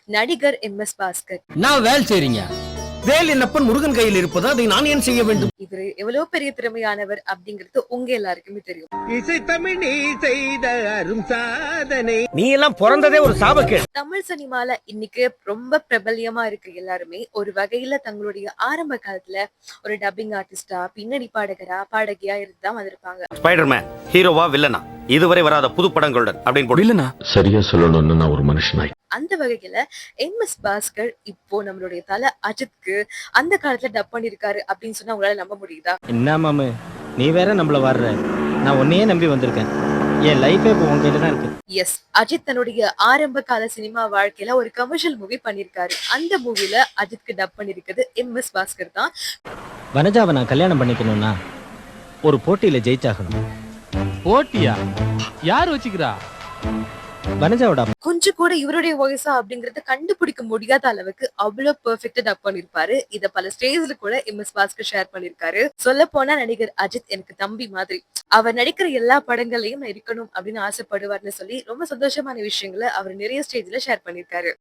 நடிகர் எம்.எஸ். பாஸ்கர். நான் வேலை செய்றீங்க. வேல் என்னப்பன் முருகன் கையில் இருப்பது, அதை நான் ஏன் செய்ய வேண்டும்? இவரு எவ்வளவு பெரிய திறமையானவர் அப்படிங்கிறது உங்க எல்லாருக்குமே தெரியும். இசை தமிழ் நீ செய்த அரும் சாதனை. நீ எல்லாம் பிறந்ததே ஒரு சாபக்கேடு. தமிழ் சினிமால இன்னைக்கு ரொம்ப பிரபல்யமா இருக்கு எல்லாருமே ஒரு வகையில தங்களுடைய ஆரம்ப காலத்துல ஒரு டப்பிங் ஆர்டிஸ்டா, பின்னணி பாடகரா, பாடகியா இருந்துதான் வந்திருப்பாங்க. ஸ்பைடர்மேன் ஹீரோவா வில்லனா இதுவரை வராத புது படங்களுடன் அப்படின்னு போடு. சரியா சொல்லணும்னு நான் ஒரு மனுஷனாய். அந்த வகையில எம்.எஸ். பாஸ்கர் இப்போ நம்மளுடைய தல அஜித்க்கு அந்த காலத்துல டப் பண்ணிருக்காரு அப்படின்னு சொன்னா உங்களால நம்ப முடியுதா? என்ன மாமு, நீ வேற நம்மள வர்ற. நான் உன்னையே நம்பி வந்திருக்கேன். என் லைஃபே இப்போ உன் கையில தான் இருக்கு. எஸ், அஜித் தன்னுடைய ஆரம்ப கால சினிமா வாழ்க்கையில ஒரு கமர்ஷியல் மூவி பண்ணிருக்காரு. அந்த மூவில அஜித்க்கு டப் பண்ணிருக்கிறது எம்.எஸ். பாஸ்கர் தான். வனஜாவை நான் கல்யாணம் பண்ணிக்கணும்னா ஒரு போட்டியில ஜெயிச்சாகணும். போட்டியா? யார் வச்சுக்கிறா? வனஜாவோட அப்பா. கொஞ்சம் கூட இவருடைய வாய்ஸா அப்படிங்கறத கண்டுபிடிக்க முடியாத அளவுக்கு அவ்வளவு பெர்ஃபெக்ட்டா டப் பண்ணிருப்பாரு. இத பல ஸ்டேஜ்ல கூட எம்.எஸ். பாஸ்கர் ஷேர் பண்ணிருக்காரு. சொல்ல போனா நடிகர் அஜித் எனக்கு தம்பி மாதிரி. அவர் நடிக்கிற எல்லா படங்களையும் நான் இருக்கணும் அப்படின்னு ஆசைப்படுவார்னு சொல்லி ரொம்ப சந்தோஷமான விஷயங்களை அவர் நிறைய ஸ்டேஜ்ல ஷேர் பண்ணிருக்காரு.